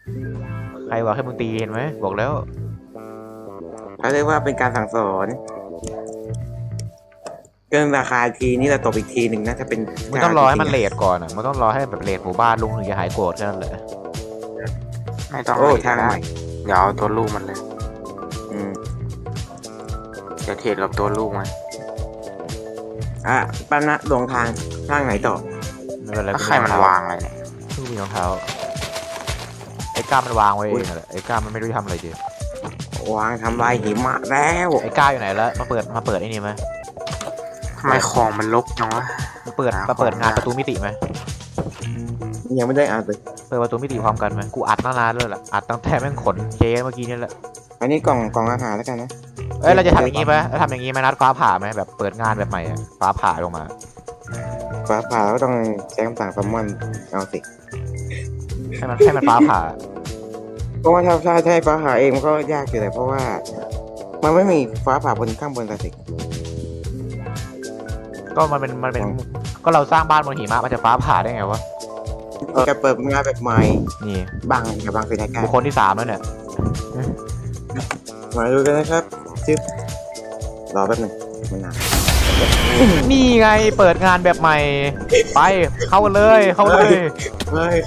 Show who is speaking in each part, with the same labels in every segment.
Speaker 1: ใครบอกให้มึงตีเห็นไหมบอกแล้ว
Speaker 2: เขาเรียกว่าเป็นการสั่งสอนเกินราคาทีนี่เราตบอีกทีหนึ่งนะถ้าเป็น
Speaker 1: มึงต้องรอให้มันเลทก่อนอ่ะมึงต้องรอให้แบบเลทหมู่บ้านลุงถึงจะหายโกรธแค่นั้นแหละ
Speaker 3: ไม่ต้อง
Speaker 2: โอ้
Speaker 3: ให้
Speaker 2: ทาง
Speaker 3: ได้
Speaker 2: ใหม่
Speaker 3: เดี๋ยวเอาตัวลูกมันเลย
Speaker 2: อืม
Speaker 3: จะเทรดกับตัวลูกมัน
Speaker 2: ป้านะลงทางไหนต่อ
Speaker 1: ไม่เป็นไร
Speaker 3: แล้วใครมันวางอะไรเนี่ย
Speaker 1: มึงมีรองเท้าไอ้ก้ามันวางไว้เองแหละไอ้ก้ามันไม่รู้จะทำอะไรจริง
Speaker 2: วางทำลายหิมะแล้ว
Speaker 1: ไอ้ก้าอยู่ไหนแล้วมาเปิดไอ้นี่ไหม
Speaker 3: ทำไมของมันลกจังวะ
Speaker 1: มาเปิดงานประตูมิติไหม
Speaker 2: ยังไม่ได้อ่านเลย
Speaker 1: เปิดประตูมิติพร้อมกันไหมกูอัดตั้งนานเลยแหละอัดตั้งแต่แม่งขนเจ๊เมื่อกี้นี่แหละ
Speaker 2: อันนี้กล่องอาหารแล้วกันนะ
Speaker 1: เอ้ยเราจะทำอย่างนี้ไหมเราทำอย่างนี้ไหมนัดฟ้าผ่าไหมแบบเปิดงานแบบใหม่อะฟ้าผ่าลงมา
Speaker 2: ฟ้าผ่าก็ต้องใช้คำสั่งซัมมอนเอาสิ
Speaker 1: ให้มันฟ้าผ่า
Speaker 2: เพราะว่าถ้าให้ฟ้าผ่าเองมันก็ยากอยู่แต่เพราะว่า มันไม่มีฟ้าผ่าบนข้างบนสิ
Speaker 1: ก็มันเป็นก็เราสร้างบ้านบนหิมะมันจะฟ้าผ่าได้ไงวะ
Speaker 2: จะเปิดงานแบบใหม่
Speaker 1: นี่
Speaker 2: กับบางสิทธิ์การ
Speaker 1: บุคคลที่3แล้วเนี่ย
Speaker 2: มาดูกันนะครับจิ๊บรอแป๊บหนึงมันนาน
Speaker 1: นี่ไงเปิดงานแบบใหม่ไปเข้ากันเลย
Speaker 2: เฮ้ย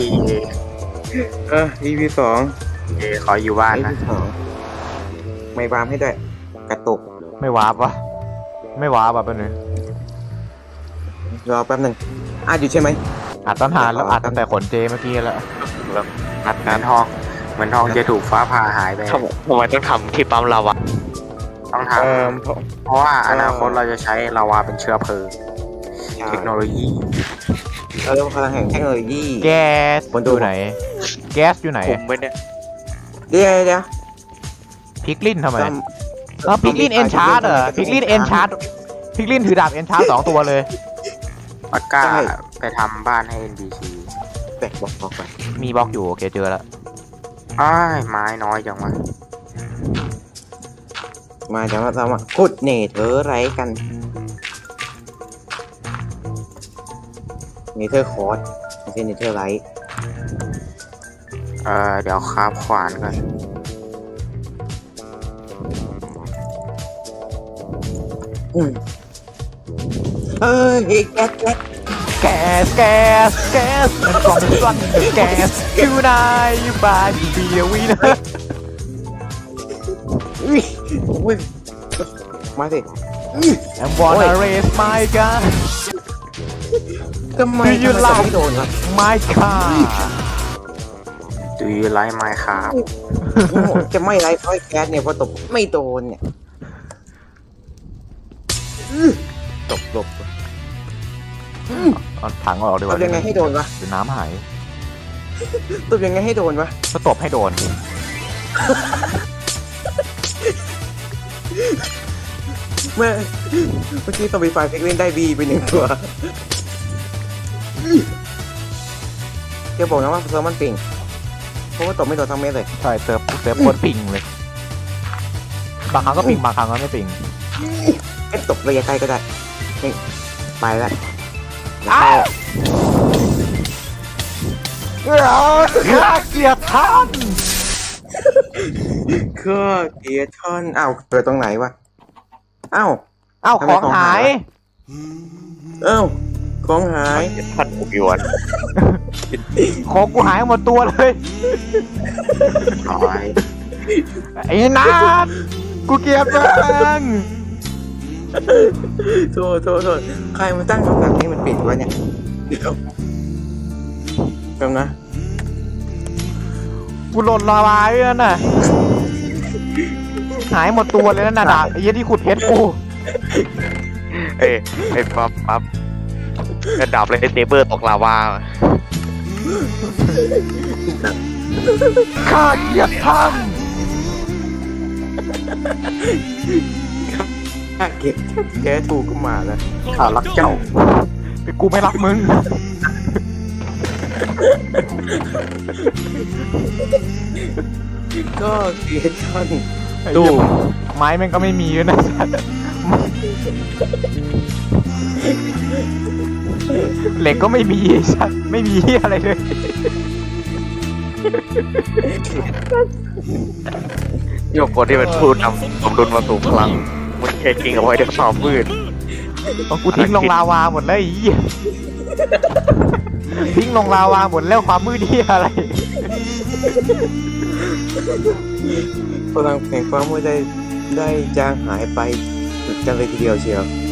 Speaker 2: EP 2
Speaker 3: ขออยู่บ้าน
Speaker 2: EP
Speaker 3: นะ
Speaker 2: 2ไม่วามให้ด้วยกระตุก
Speaker 1: ไม่วาร์ปวะไม่วาร์ปแบบนี้
Speaker 2: รอแป๊บหนึงอยู่ใช่ไหม
Speaker 1: อัดตั้งนานแล้วอัดตั้งแต่ขนเจเมื่อกี้แล้ว
Speaker 3: นัดทองเหมือนทองจะถูกฟ้าผ่าหายไป
Speaker 4: ทำไมต้องทำที่ปั๊มเราอะ
Speaker 3: ต้องทำ เพราะว่าอนาคตเราจะใช้ลาวาเป็นเชื้อเพลิงเทคโนโลยี
Speaker 2: เราเรียกว่าพลังแห่งเทคโนโลยี
Speaker 1: แก๊ส
Speaker 2: บนตู้
Speaker 1: อยู่ไหน แก๊สอยู่ไหน
Speaker 4: ผมไปเนี่ย
Speaker 2: เดี๋ยว
Speaker 1: พิกลินทำไม
Speaker 2: ต้อง
Speaker 1: พิกลินเอนชาร์ดเหรอพิกลินเอนชาร์ดพิกลินถือดาบเอนชาร์ด2 ตัวเลย
Speaker 3: ปักก้าไปทำบ้านให้ NPC
Speaker 2: แตกบอกไป
Speaker 1: มีบล็อกอยู่โอเคเจอแล้ว
Speaker 3: อ้ายไม้น้อยจังวะ
Speaker 2: มาจากว่าเรามาขุดเนเธอไรกันเนเธอร์คอร์สไม่ใช่เนเธอร์ไร
Speaker 3: เดี๋ยวคราฟขวานก่อน
Speaker 2: เฮ้ยแก๊ส
Speaker 1: แก๊สมันกล่องเป็นก้อนแก๊สอยู่ไหนอยู่บ้านอยู่เบียร์วีนะ
Speaker 2: อุ้ยมาสิ
Speaker 1: I'm wanna raise my gun
Speaker 2: ทำไม
Speaker 1: ยืน
Speaker 2: ทำ
Speaker 1: หลัง
Speaker 2: ไม่โดนครับ
Speaker 1: my car
Speaker 3: ดูยูไลท์ไม้ครับ
Speaker 2: จะไม่ไรค่อยแก๊สเนี่ยพอตบไม่โดนเนี่ยตบ
Speaker 1: เอาถังออกดีก
Speaker 2: ต
Speaker 1: ว่า
Speaker 2: บยังไงให้โดนวะ
Speaker 1: เดี๋ยวน้ำหาย
Speaker 2: ตบยังไงให้โดนวะ
Speaker 1: ก็ตบให้โดน
Speaker 2: เมื่อกี้ตบไฟฟ้าเซ็กเล่นได้บีไป1 ตัวจะบอกนะว่าเซิร์ฟมันปิงเพราะว่าตบไม่โดนทั้งเม็ดเลย
Speaker 1: ใช่เซิร์ฟโคตรปิงเลยบางครั้งก็ปิงบางครั้งก็ไม่ปิง
Speaker 2: ตบระยะใกล้ก็ได้นี่ไปแล้ว
Speaker 1: อ้าวข้าเกลียดท่าน
Speaker 2: ก็เกียร์ทอนเกิดตรงไหนวะอ้าว
Speaker 1: เอ้า
Speaker 2: ทำ
Speaker 1: ข
Speaker 2: ไม
Speaker 1: อง
Speaker 2: ของ
Speaker 1: หา
Speaker 2: หาย ย ของหาย
Speaker 4: ท่านผมยวน
Speaker 1: ของกูหายหมดตัวเลย
Speaker 3: น้อย
Speaker 1: ไอ้นัทกูเกลียดมึง
Speaker 2: โทษใครมันตั้งคำสั่งนี้มันปิดวะเนี่ยเดี๋ยวจำนะ
Speaker 1: กูหล่นลาวาไว้นั่นน่ะหายหมดตัวเลยนั่นน่ะดาบไอ้เหี้ยที่ขุดเพชรกู
Speaker 4: ไอ้ปั๊บกระดับเลยไอ้เซเบอร์ตกลาวา
Speaker 1: ข้าเกลียดท่าน
Speaker 2: เก็บแกถูกก็มาแล้ว
Speaker 3: ข้ารักเจ้า
Speaker 1: แต่กูไม่รักมึง
Speaker 2: ก็เกียร์ทอน
Speaker 1: ตู้ไม้แม่งก็ไม่มีด้วยนะเหล็กก็ไม่มีสัตว์ไม่มีอะไรเลย
Speaker 4: โยกคนที่เป็นผู้นำสมดุลมาสู่พลังมันแค่จริงเอาไว้ด้วยความมืด
Speaker 1: ต้องกูทิ้งลงลาวาหมดแล้วไอ้เหี้ยทิ้งลงลาวาหมดแล้วความมืดที่อะไร
Speaker 2: พลังแห่งความมืดได้จางหายไปกันเลยทีเดียวเชียว